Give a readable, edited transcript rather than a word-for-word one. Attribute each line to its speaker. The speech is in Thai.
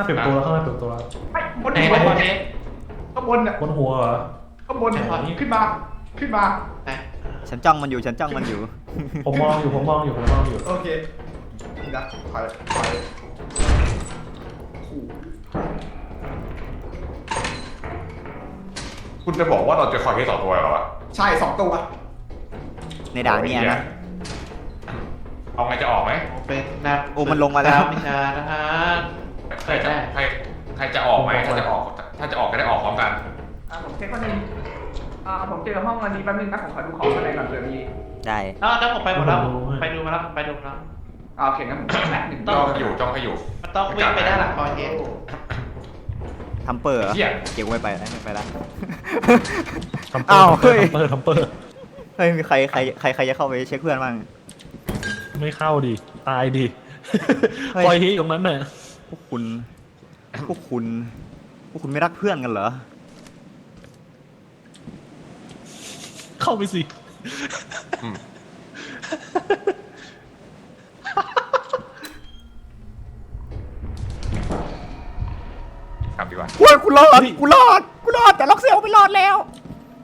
Speaker 1: าเปิดตัวแล้วข้างหน้าเปิดตัวแล้ว
Speaker 2: ไอ้บน
Speaker 3: ไหน
Speaker 2: หัว
Speaker 3: ไหนบอลเจ๊
Speaker 2: ข้างบนน่ะ
Speaker 1: บนหัวเหรอ
Speaker 2: ข้างบนขึ้นมาขึ้นมา
Speaker 3: ไหน
Speaker 4: ฉันจ้องมันอยู่ฉันจ้องมันอยู่
Speaker 1: ผมมองอยู่ผมมองอยู่ผมมองอยู่
Speaker 2: โอเคนี่นะถอย
Speaker 5: คุณจะบอกว่าเราจะคอยแค่2 ตัวเหรอวะ
Speaker 2: ใช่2 ตัว
Speaker 4: ในด่านเนี่ยนะ
Speaker 5: เอาไงจะออกไหม
Speaker 3: เป็นนัก
Speaker 4: โอ้มันลงมาแล้ว
Speaker 3: วิชานะฮะ
Speaker 5: ใครจะใครจะออกไหมถ้าจะออกก็ได้ออกพร้อมกัน
Speaker 2: ผมเช็คว่านึงผมเจอห้องอันนี้แป๊บนึงนะผมขอดูของข้างในก่อนเผื่อมี
Speaker 4: ได้
Speaker 3: แล้วผมไปหมดแล้วไปดูมาแล้วไปดูแล้ว
Speaker 2: โอเคงั้นผมแป๊บนึง
Speaker 5: จ้องให้อยู่
Speaker 3: มันต้องวิ่งไปด้านหลังบอลเจ๊
Speaker 4: ทำเปอร์เหรอ
Speaker 5: เหี้ย
Speaker 4: เกี่ยวไม่ไปแล้วไม่ไปแล้ว
Speaker 1: ทำเปอ
Speaker 4: อ้าว
Speaker 1: ร์
Speaker 4: เฮ้ย
Speaker 1: ทำเปอร์
Speaker 4: เฮ้ยมีใครจะเข้าไปเช็คเพื่อนบ้าง
Speaker 1: ไม่เข้าดิตายดิ
Speaker 4: เฮ้ย
Speaker 1: ปล่อยที่ตรงนั้นน่ะ
Speaker 4: พวกคุณไม่รักเพื่อนกันเหรอ
Speaker 1: เข้าไปสิ
Speaker 5: กลับดีกว่า
Speaker 4: โอ้ยกูรอดแต่ล็อกเซลไม่รอดแล้ว